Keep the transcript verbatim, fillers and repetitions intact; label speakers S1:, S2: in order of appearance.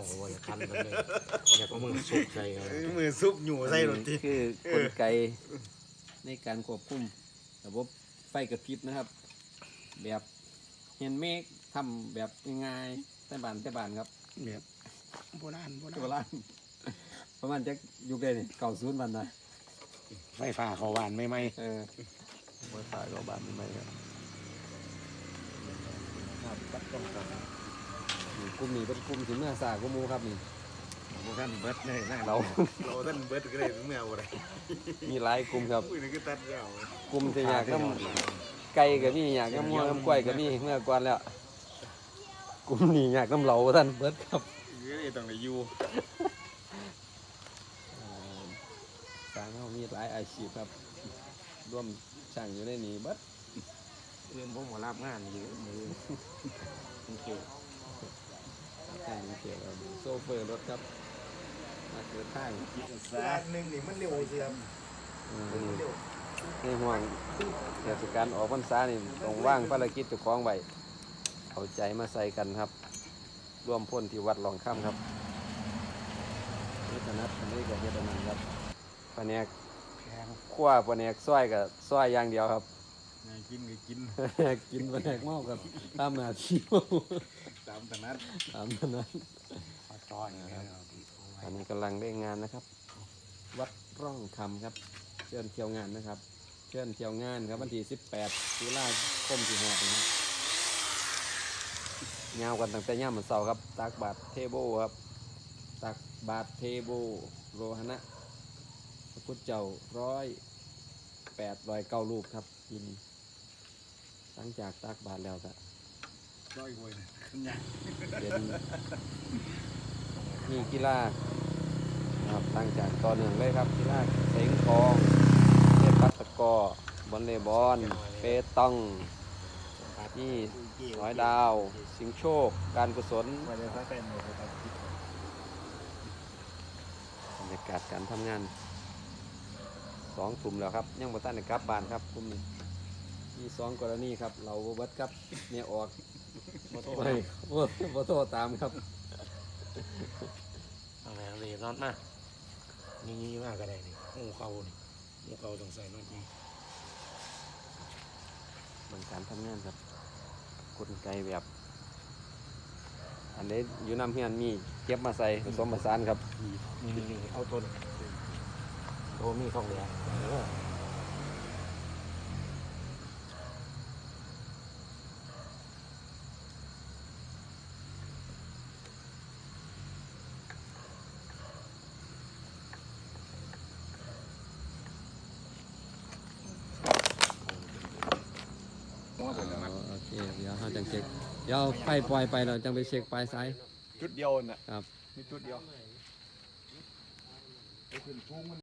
S1: ว่าจะคันกันเลยอยากเอามือซุกใส่
S2: มือซุปอยู่ใส่รถที
S3: คือกลไกในการควบคุมระบบไฟกระพริบนะครับ แบบเห็นเมฆทำแบบง่ายๆแต่บานแต่บานครับ
S2: แบบโบราณโบราณ
S3: โบราณประมาณจะอยู่ได้เก่าศูนย์วันนะ
S2: ไฟฟ้าเขาหวานไม่ไหม
S3: เออไฟฟ้าก็บานไม่ไหมครับครับตัดต้องกันกลุ่มนี้เป็นกลุ่มที่เมื่อสากุมูครับนี่
S2: โบราณเบิร์ดเลยนะ
S3: เรา
S2: เราท่านเบิร์ดก็ได้ถึงแมวอะไร
S3: มีหลายกลุ่มครับ
S2: อุ้ยนี่ก็ตัดยาว
S3: กลุ่มที่อยากน้ำไก่กับมีอยากน้ำมัวน้ำกล้วยกับมีเมื่อก่อนแล้วกลุ่มนี้อยากน้ำเหลาท่านเบิดครับ
S2: ก็เลยต้องไปอยู่
S3: สร้างเขามีหลายอาชีพครับร่วมช่างอยู่ในนี้เบิด
S1: เรื่องพวกหมอรับงานอยู่มือโอเค
S3: ช่างเกี่ยวกับโซเฟอร์รถครับมาเกิดทาง
S2: สาหนึ่งนี่มันเร็วเสียม
S3: อืมในห่วงเทศกาลออกพรรษานี่ต้องว่างภารกิจเจ้าของไว้เอาใจมาใส่กันครับ ร่วมพ่นที่วัดหลองค่ำครับนี่ถนัดอันนี้กับเฮ็ดอันนั้นครับแผนก
S2: แพง
S3: ขั้วแผนกซอยกับซอยอย่างเดียวครับ
S2: ไงกินก็กิน
S3: แผนกกินแผนกเมากับตามหน้าที่เมา
S2: ตามถนัด
S3: ตามนั้น
S2: ซอยนะครับ
S3: อันนี้กำลังได้งานนะครับ วัดร่องคำครับเชิญเที่ยวงานนะครับเชิญเที่ยวงานครับวันที่สิบแปดตุลาคมที่หกนะครับยาวกันตั้งแต่ย่ามวันเสาร์ครับตักบาทเทโบครับตักบาทเทโบโรหณะพระพุทธเจ้าร้อยแปดร้อยเก้าลูกครับยินหลังจากตักบาทแล้วก็
S2: ร้อยกว่าเลยขึ้นยัง
S3: เป็นมีกีฬานะครับหลังจากต่อเนื่องเลยครับกีฬาเสงกองเทพปัตตะกอบอลเลย์บอลเปตองนี่ร้อยดาวสิงโชคการกุศล
S2: ว่าจะใช้เป็นหมดเลยครับ
S3: บรรยากาศการทำงานสองทุ่มแล้วครับยังบ่ทันได้กลับบ้านครับกลุ่มนี้มีสองกรณีครับเราบ่เบิดครับเนี่ยออกบ่โทรให้บ่บ่โทรตามครับ
S1: เอาแม่เลยนอนมานี่นี่มากก็ได้นี่หูเขานี่หูเขาต้องใส่นอนนี่
S3: บางการทำงานครับกลไกแบบ อันนี้อยู่น้ำเฮียนมีเก็บมาใส่ผสมผสานครับ
S1: นี่นี่นี่เอาต้นโตมีทองเหลืองเออ
S2: หม้อเป็นอะไร
S3: โอเคเดี๋ยวเราจังเช็คเดี๋ยวเอาไฟปล่อยไปเราจังไปเช็คปลายสาย
S2: จุดเดียวน่ะ
S3: ครับ
S2: มีจุดเดียวไปขึ้นทุ่งมัน